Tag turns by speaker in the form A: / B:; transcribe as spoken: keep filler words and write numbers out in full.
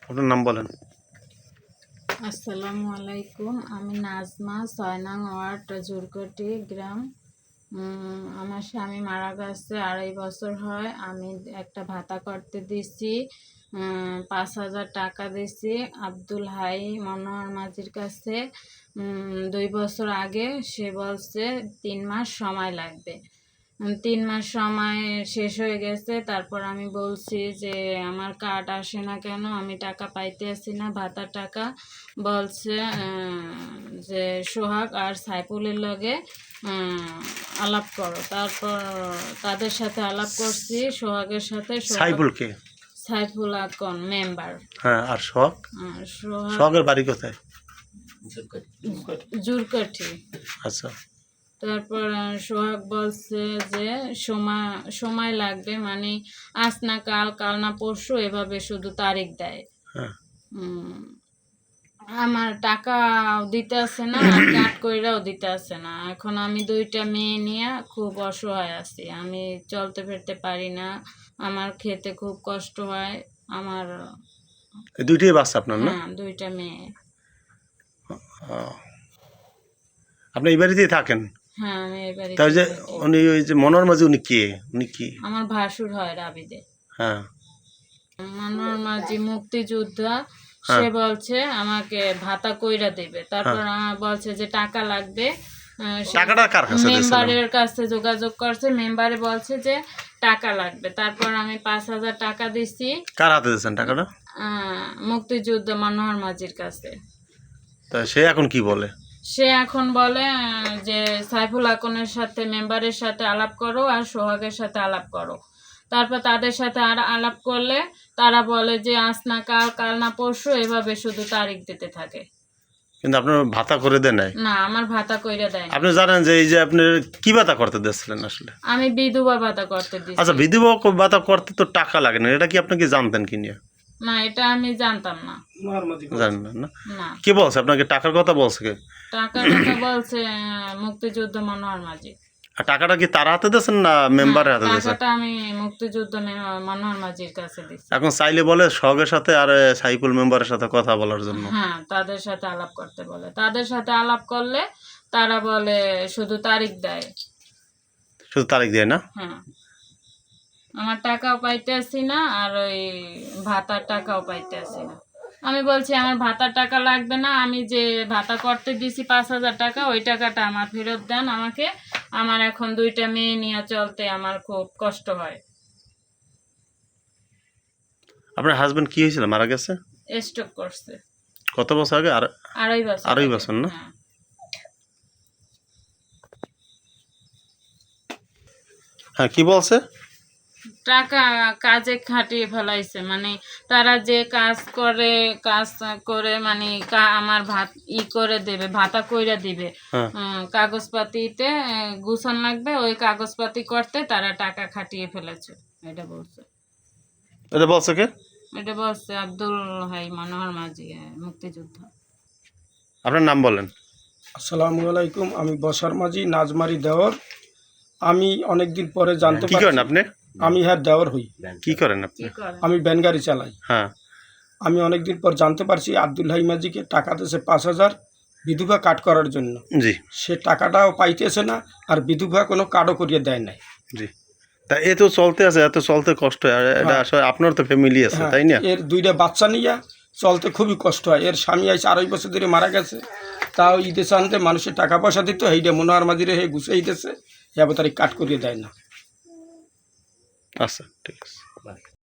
A: আপনার নাম বলেন।
B: আসসালামু আলাইকুম। আমি নাজমা, ছয় নং ওয়ার্ড, জুরকটি গ্রাম। উম, আমার স্বামী মারা গেছে আড়াই বছর হয়। আমি একটা ভাতা করতে দিছি, উম, পাঁচ হাজার টাকা দিছি আব্দুল হাই মনোহর মাঝির কাছে। উম, দুই বছর আগে সে বলছে তিন মাস সময় লাগবে। উম, তিন মাস সময় শেষ হয়ে গেছে। তারপর আমি বলছি যে আমার কার্ড আসে না কেন, আমি টাকা পাইতে আসি না, ভাতার টাকা। বলছে আহ, যে সোহাগ আর সাইফুলের লগে উম, আলাপ করো। তারপর তাদের সাথে আলাপ করছি, সোহাগের সাথে। সোহাগ
A: সাইফুলকে?
B: সাইফুল আকন মেম্বার।
A: হ্যাঁ, আর সোহাগ?
B: আর সোহাগ
A: সোহাগের বাড়ি কোথায়?
B: জুরকাঠি।
A: আচ্ছা।
B: তারপর আহ, সোহাগ বলছে যে সময় সময় লাগবে, মানে আজ না কাল, কাল না পরশু, এভাবে শুধু তারিখ দেয়।
A: হ্যাঁ।
B: উম, আমার টাকা দিতে আসে না, আর কাট কইরাও দিতে আসে না। এখন আমি দুইটা মেয়ে নিয়ে খুব অসহায় আছি। আমি চলতে ফিরতে পারি না, আমার খেতে খুব কষ্ট হয় আমার।
A: এই দুইটাই বাচ্চা আপনার না?
B: হ্যাঁ, দুইটা মেয়ে।
A: ও, আপনি এই বাড়িতেই থাকেন?
B: হ্যাঁ, আমি এই
A: তাই
B: বাড়িতে
A: যে
B: থাকি।
A: উনি ওই যে মনোহর মাঝি, উনি কে? উনি কি?
B: আমার ভাসুর হয় রাবিদে।
A: হ্যাঁ
B: মনোহর মাঝি মুক্তিযোদ্ধা। সে
A: হ্যাঁ
B: বলছে আমাকে ভাতা কইরা দেবে। তারপর
A: হ্যাঁ।
B: আমার বলছে যে টাকা লাগবে। আহ, সে
A: টাকাটা কার কাছে দিয়েছিলেন?
B: মেম্বারের কাছে যোগাযোগ করছে, মেম্বারে বলছে যে টাকা লাগবে। তারপর আমি পাঁচ হাজার টাকা দিছি।
A: কার হাতে দিয়েছেন টাকাটা?
B: আহ, মুক্তিযুদ্ধ মনোহর মাঝির কাছে।
A: তা সে এখন কি বলে?
B: সে এখন বলে আহ, যে সাইফুল আকনের সাথে, মেম্বারের সাথে আলাপ করো আর সোহাগের সাথে আলাপ করো। তারপর তাদের সাথে আর আলাপ করলে তারা বলে যে আজ না কাল, কাল না পরশু, এভাবে শুধু তারিখ দিতে থাকে।
A: কিন্তু আপনার ভাতা করে দেয় নাই?
B: না, আমার ভাতা কইরা দেয় না।
A: আপনি জানেন যে এই যে আপনি কি ভাতা করতে দিয়েছিলেন আসলে?
B: আমি বিধবা ভাতা করতে দিছি।
A: আচ্ছা, বিধবা ভাতা করতে তো টাকা লাগে না, এটা কি আপনি কি জানতেন কি নিয়ে?
B: না, এটা আমি জানতাম না।
A: জানেন না না?
B: না,
A: কে বলছে আপনাকে টাকার কথা বলছে কে?
B: টাকার কথা বলছে আহ, মুক্তিযুদ্ধ মনোহর মাঝি।
A: আর টাকাটা কি তার হাতে দিয়েছেন না মেম্বারের হাতে দিয়েছেন?
B: টাকাটা আমি মুক্তিযুদ্ধ মে- মনোহর মাঝির কাছে দিছি।
A: এখন চাইলে বলে সহগের সাথে আর এ, সাইফুল মেম্বারের সাথে কথা বলার জন্য।
B: হ্যাঁ, তাদের সাথে আলাপ করতে বলে। তাদের সাথে আলাপ করলে তারা বলে শুধু তারিখ দেয়।
A: শুধু তারিখ দেয় না?
B: হ্যাঁ, আমার টাকাও পাইতে আসি না, আর ওই ভাতার টাকাও পাইতে আসি না। আমি বলছি আমার ভাতার টাকা লাগবে না, আমি যে ভাতা করতে দিছি পাঁচ হাজার টাকা, ওই টাকাটা আমার ফেরত দেন আমাকে। আমার এখন দুইটা মেয়ে নিয়ে চলতে আমার খুব কষ্ট হয়।
A: আপনার হাজবেন্ড কি হয়েছিল, মারা গেছে?
B: স্ট্রোক করছে
A: কত বছর আগে? আর
B: আড়াই বছর
A: আড়াই
B: আগে।
A: বছর না?
B: হ্যাঁ।
A: হ্যাঁ, কি বলছে?
B: টাকা কাজে খাটিয়ে ফেলাইছে, মানে তারা যে কাজ করে, কাজ করে মানে কা- আমার ভাত ই করে দেবে, ভাতা কইরা দিবে।
A: হ্যাঁ।
B: উম, কাগজপাতিতে আহ, গুছান লাগবে, ওই কাগজপাতি করতে তারা টাকা খাটিয়ে ফেলেছে, এটা বলছে।
A: এটা বলছে কে?
B: এটা বলছে আব্দুল হাই মনোহর মাঝি, আহ, মুক্তিযোদ্ধা।
A: আপনার নাম বলেন।
C: আসসালামু আলাইকুম। আমি বসার মাঝি নাজমারি দেওর। আমি অনেক দিন পরে জানতে
A: কি করেন
C: পারছি
A: আপনি?
C: আমি হ্যাঁ দেওর হই।
A: কি করেন আপনি?
B: কি করে?
C: আমি ভ্যান গাড়ি চালাই।
A: হ্যাঁ।
C: আমি অনেক দিন পর জানতে পারছি আব্দুল হাই মাঝিকে টাকা দিয়েছে পাঁচ হাজার বিধবা কাট করার জন্য।
A: জি
C: সে টাকাটাও পাইতেছে না, আর বিধবা কোনো কার্ডও করিয়ে দেয় নাই।
A: জি। তা এ তো চলতে আছে, এত চলতে কষ্ট হয়, আর এটা
C: হ্যাঁ।
A: আসলে আপনার তো ফ্যামিলি আছে,
C: হ্যাঁ,
A: তাই না?
C: এর দুইটা বাচ্চা নিয়ে চলতে খুবই কষ্ট হয়। এর স্বামী আইসে আড়াই বছর ধরে মারা গেছে, তাও ঈদে চানতে মানুষের টাকা পয়সা দিত, এইটা মনোহর মাঝিরে হে গুছাই দিতেছে, এবার তারিখ কাট করিয়ে দেয় না।
A: আচ্ছা, ঠিক আছে।